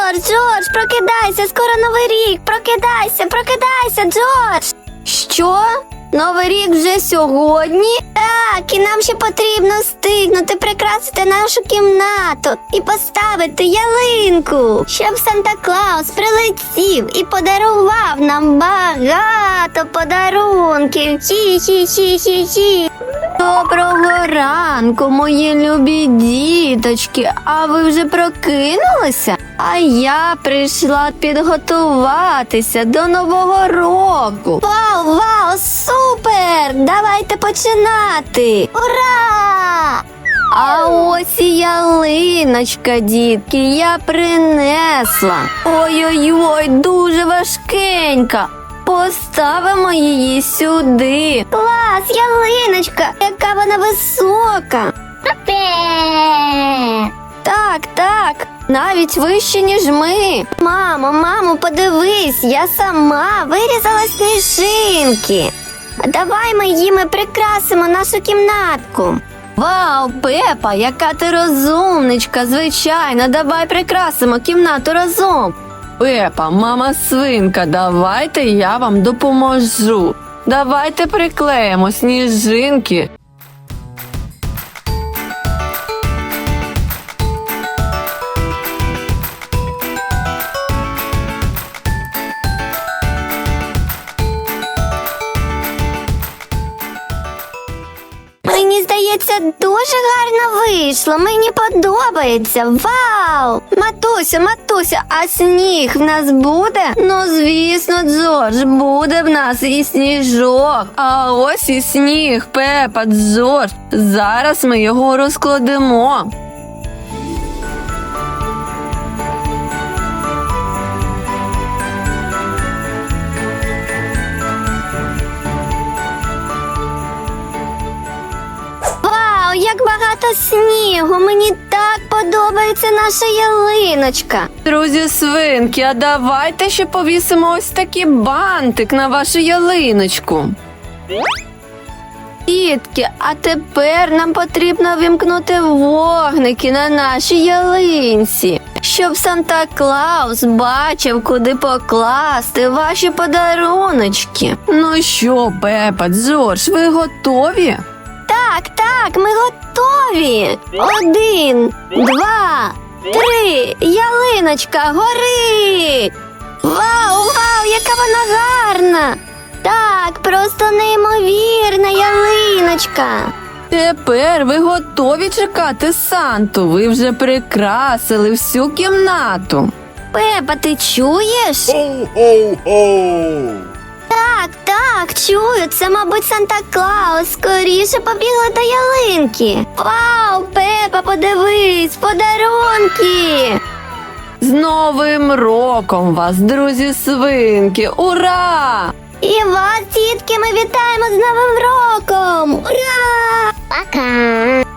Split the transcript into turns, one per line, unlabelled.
Джордж, прокидайся, скоро Новий рік, прокидайся, Джордж. Що? Новий рік вже сьогодні? Так, і нам ще потрібно встигнути прикрасити нашу кімнату і поставити ялинку, щоб Санта-Клаус прилетів і подарував нам багато подарунків. Хі-хі-хі-хі-хі. Доброго ранку, мої любі діточки. А ви вже прокинулися? А я прийшла підготуватися до Нового року. Вау, супер! Давайте починати! Ура! А ось і ялиночка, дітки, я принесла. Ой-ой-ой, дуже важкенька. Поставимо її сюди. Клас, ялиночка, яка вона висока. Так, навіть вище, ніж ми. Мамо, подивись, я сама вирізала сніжинки. Давай ми їми прикрасимо нашу кімнатку. Вау, Пепа, яка ти розумничка, звичайно, давай прикрасимо кімнату разом.
Пепа, мама свинка, давайте я вам допоможу. Давайте приклеїмо сніжинки.
Мені здається, дуже гарно вийшло. Мені подобається. Вау! Матусю, а сніг в нас буде?
Ну, звісно, Джордж, буде в нас і сніжок. А ось і сніг, Пепа, Джордж. Зараз ми його розкладемо.
Вау, як багато снігу! Мені так подобається наша ялиночка.
Друзі свинки, а давайте ще повісимо ось такий бантик на вашу ялиночку.
Дітки, а тепер нам потрібно вімкнути вогники на нашій ялинці, щоб Санта-Клаус бачив, куди покласти ваші подаруночки.
Ну що, Пепа, Джордж, ви готові?
Так, ми готові. 1, 2, 3, ялиночка горить. Вау, яка вона гарна. Так, просто неймовірна ялиночка.
Тепер ви готові чекати Санту? Ви вже прикрасили всю кімнату.
Пепа, ти чуєш?
Ho-ho-ho!
Так, чую, це, мабуть, Санта-Клаус. Скоріше побігли до ялинки. Вау, Пепа, подивись, подарунки.
З Новим роком вас, друзі свинки! Ура!
І вас, дітки, ми вітаємо з Новим роком! Ура! Пока!